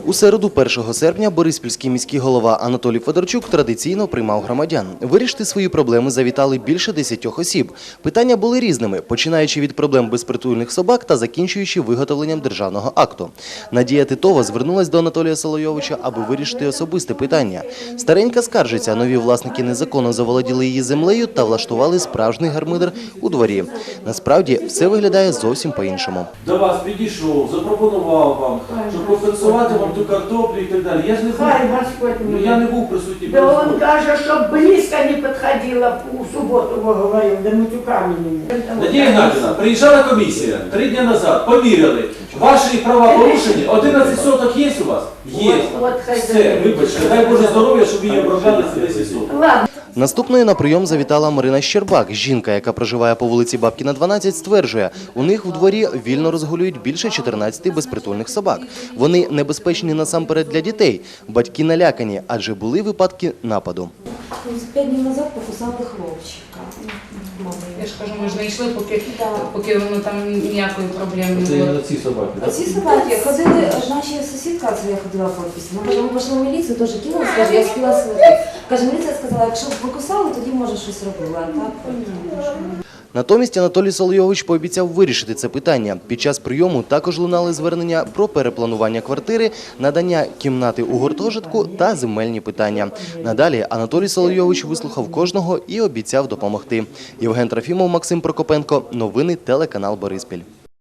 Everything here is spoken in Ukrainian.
У середу 1 серпня бориспільський міський голова Анатолій Федорчук традиційно приймав громадян. Вирішити свої проблеми завітали більше 10 осіб. Питання були різними, починаючи від проблем безпритульних собак та закінчуючи виготовленням державного акту. Надія Титова звернулась до Анатолія Солойовича, аби вирішити особисте питання. Старенька скаржиться, нові власники незаконно заволоділи її землею та влаштували справжній гармидер у дворі. Насправді, все виглядає зовсім по-іншому. До вас підійшов, запропонував вам, щоб компенсувати вам ту картоплю і так далі. Я ж не був, я не був присутній. Да он даже, чтобы близко не подходила, в субботу его говорил, да матюками не. Надія Геннадіївна, приїжджала комісія 3 дні назад, поміряли. Ваші права порушені, 11 соток є у вас? Є. Все, вибачте, дай Боже здоров'я, щоб її обробляли за 10 соток. Наступною на прийом завітала Марина Щербак. Жінка, яка проживає по вулиці Бабкіна, 12, стверджує, у них в дворі вільно розгулюють більше 14 безпритульних собак. Вони небезпечні насамперед для дітей. Батьки налякані, адже були випадки нападу. 5 днів назад покусали хлопчика. Я ж кажу, ми ж не йшли, поки воно там ніякої проблеми не було. Це ці собаки, так? Ці собаки ходили, наша сусідка, це я ходила в офісі, вона каже, ми пішли в міліцію, теж кинули, каже, я спіла сидіти. Каже, міліція сказала, якщо покусали, тоді може щось робила. Натомість Анатолій Солойович пообіцяв вирішити це питання. Під час прийому також лунали звернення про перепланування квартири, надання кімнати у гуртожитку та земельні питання. Надалі Анатолій Солойович вислухав кожного і обіцяв допомогти. Євген Трофімов, Максим Прокопенко. Новини телеканал Бориспіль.